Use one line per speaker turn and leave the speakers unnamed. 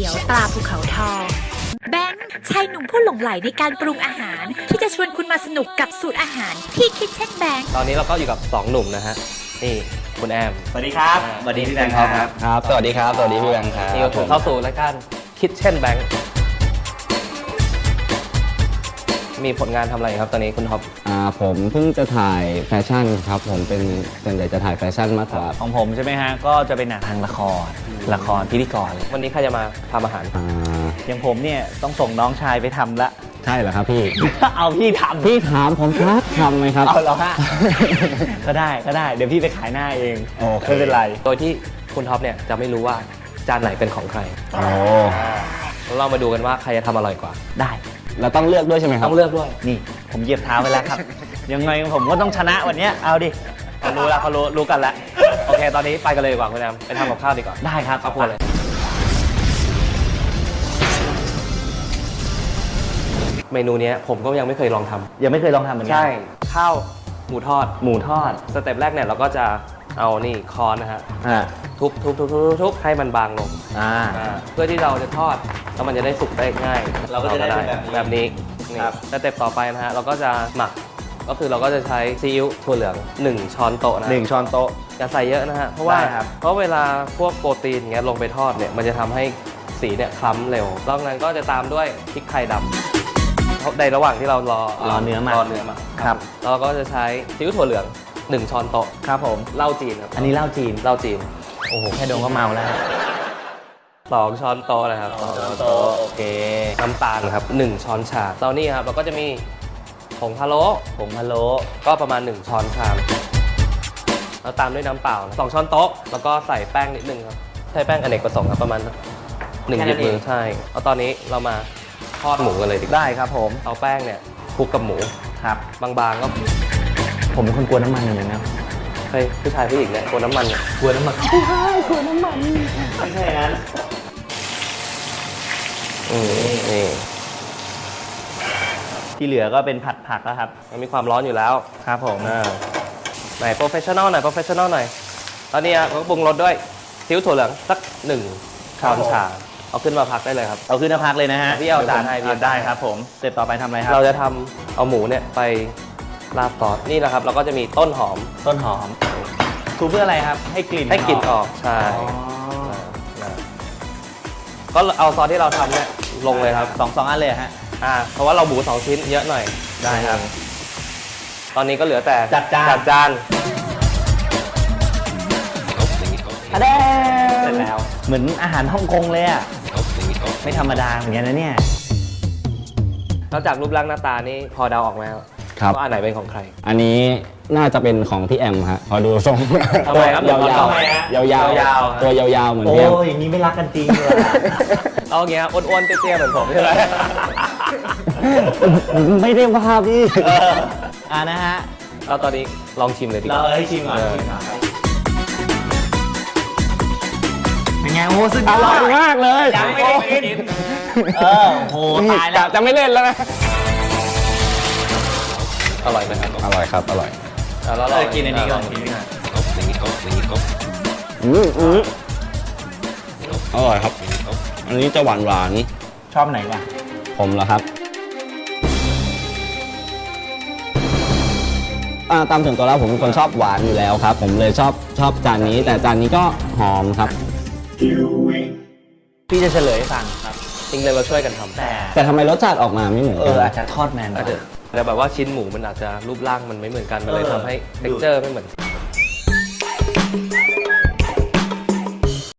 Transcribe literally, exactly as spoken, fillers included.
ตี๋ยวปลาภูเขาทองแบงค์ชายหนุ่มผู้หลงใหลในการปรุงอาหารที่จะชวนคุณมาสนุกกับสูตรอาหารที่คิดเช่นแบงค์
ตอนนี้เราก็อยู่กับสองหนุ่มนะฮะนี่คุณแอม
สวัสดีครับสวัสดีพี่แบงค์ครับ
ครับสวัสดีครับสวัสดีพี่แบงค์ครับ
นี่ก็ถูกเข้าสู่รายการคิดเช่นแบงค์มีผลงานทำอะไรครับตอนนี้คุณท็อป
อ่าผมเพิ่งจะถ่ายแฟชั่นครับผมเป็นส่วนใหญ่จะถ่ายแฟชั่นมากกว่า
ของผมใช่ไหมฮะก็จะเป็นหนังทางละครละครพิธีกร
วันนี้ใครจะมาทำอาหาร
อ่า
อย่างผมเนี่ยต้องส่งน้องชายไปทำละ
ใช่เหรอครับพี่
เอาพี่ทำ
พี่ถามผมครับทำไหมครับ
เอาเหรอฮะ ก็ได้ก็ได้เดี๋ยวพี่ไปขายหน้าเองไม่เป็นไร
โดยที่คุณท็อปเนี่ยจะไม่รู้ว่าจานไหนเป็นของใคร
โอ้
เรามาดูกันว่าใครจะทำอร่อยกว่า
ได้
เราต้องเลือกด้วยใช่ไหมครับ
ต้องเลือกด้วย
นี่ผมเหยียบเท้าไปแล้วครับ ยังไงผมก็ต้องชนะวันนี้เอาดิเขารู้แล้วเขารู้รู้กันแล้ว
โอเคตอนนี้ไปกันเลยดีกว่าคุณแอมไปทำกับข้าวดีกว่า
ได้ครับ
เอาพูดเลยเมนูนี้ผมก็ยังไม่เคยลองทำ
ยังไม่เคยลองทำเหมือนกัน
ใช่ข้าวหมูทอด
หมูทอด
สเต็ปแรกเนี่ยเราก็จะเอานี่คอนนะฮะทุบทุบทุบทุบทุบให้มันบางลงเพื่อที่เราจะทอดแล้วมันจะได้สุกได้ง่าย
เราก็จะได้
แบบนี้ครับสเต็ปต่อไปนะฮะเราก็จะหมักก็คือเราก็จะใช้ซีอิ๊วถั่วเหลืองหนึ่งช้อนโต๊ะนะ
หนึ่งช้อนโต๊ะ
อย่าใส่เยอะนะฮะเพราะว่าเพราะเวลาพวกโปรตีนเงี้ยลงไปทอดเนี่ยมันจะทำให้สีเนี่ยคล้ำเร็วหลังนั้นก็จะตามด้วยพริกไทยดำในระหว่างที่เรารอ
รอเนื้อมาร
อเนื้อมา
ครับ
เราก็จะใช้ซีอิ๊วถั่วเหลืองหนึ่งช้อนโต๊ะ
ครับผม
เหล้าจีนครับ
อันนี้เหล้าจีน
เหล้าจีน
โอ้โหแค่ดมก็เมาแล้ว
สองช้อนโต๊ะนะครับ
สองช้อนโต๊ะโอเค
น้ำตาลครับหนึ่งช้อนชาตอนนี้ครับเราก็จะมีผงพะโล้
ผงพะโล้
ก็ประมาณหนึ่งช้อนชามแล้วตามด้วยน้ำเปล่าสองช้อนโต๊ะแล้วก็ใส่แป้งนิดนึงครับใช้แป้งอเนกประสงค์ครับประมาณหนึ่งหยิบมือใช่แล้วตอนนี้เรามาทอดหมูกันเลยดีกว่า
ได้ครับผม
เอาแป้งเนี่ยคลุกกับหมู
ครับ
บางๆก็
ผมเป็นคนกลัวน้ำมันอย่างนั้น
เฮ้ยผู้ชายผู้หญิงเนี่ยกลัวน้ำมัน
กลัวน้ำมัน
ใช่กลัวน้ำมัน
ไม่ใช่งั้น
อืมนี่
ที่เหลือก็เป็นผัดผักแล้วครับ
มันมีความร้อนอยู่แล้ว
ครับผม
ไหนโปรเฟชชั่นอลหน่อยโปรเฟชชั่นอลหน่อยตอนนี้ก็ปรุงรสด้วยซีอิ๊วถั่วเหลืองสักหนึ่งช้อนชาเอาขึ้นมาพักได้เลยครับ
เอาขึ้นมาพักเลยนะฮะ
พี่เอาจานให้พี่
ได้ครับผมเสร็จต่อไปทำอะไรครับ
เราจะทำเอาหมูเนี่ยไปราดซอสนี่นะครับเราก็จะมีต้นหอม
ต้นหอมทูเพื่ออะไรครับให้กลิ่น
ให้กลิ่นออกใช่ก็เอาซอสที่เราทำเนี่ยลงเลยครับ
สองสองอันเลยฮะ
อ่าเพราะว่าเราหมูสองชิ้นเยอะหน่อย
ได้ครับ
ตอนนี้ก็เหลือแต่
จัดจาน
จัดจาน
อะเด้เสร็จแล้วเหมือนอาหารฮ่องกงเลยอ่ะไม่ธรรมดาเหมือนกันนะเนี่ย
นอกจากรูปร่างหน้าตานี่พอเดาออกไหมครับว่าอันไหนเป็นของใคร
อันนี้น่าจะเป็นของพี่แอมฮะพอดูทรง
ทำไมครับ
ยาวยาวยาวตัวยาวๆเหมือนพี่แอม
โอ้ยอย่างนี้ไม่รักกันจริงเลย
เอาอย่างเงี้ยอ้วนๆเตี้ยๆเหมือนผมใช่ไหม
ไม่ได้ว่าพี่
อ่านะฮะ
เราตอนนี้ลองชิมเลยดีกว่า
เราให้ชิมก่อนเป็นไงโอ้สุดยอด
อร่อยมากเลย
ยังไม่ได้กินเออโหตายแล้ว
จะไม่เล่นแล้วนะ
อร่อยไหมครับ
อร่อยครับอร่อย
แล้วเรา
กินอันนี้ก่อนกิน
อืมอืมอร่อยครับอันนี้จะหวานหวาน
ชอบไหนวะ
ผมเหรอครับตามถึงตัวแล้วผมเป็นคนชอบหวานอยู่แล้วครับผมเลยชอบชอบจานนี้แต่จานนี้ก็หอมครับ
พี่จะเฉลยให้ฟังครับ
จริงเลยเราช่วยกันทำ
แต่
แต่ทำไมรสชาติออกมาไม่เหมือน
เอออาจจะทอดแมน
อาจจะแต่แบบว่าชิ้นหมูมันอาจจะรูปร่างมันไม่เหมือนกันมันเลยทำให้ texture ไม่เหมือน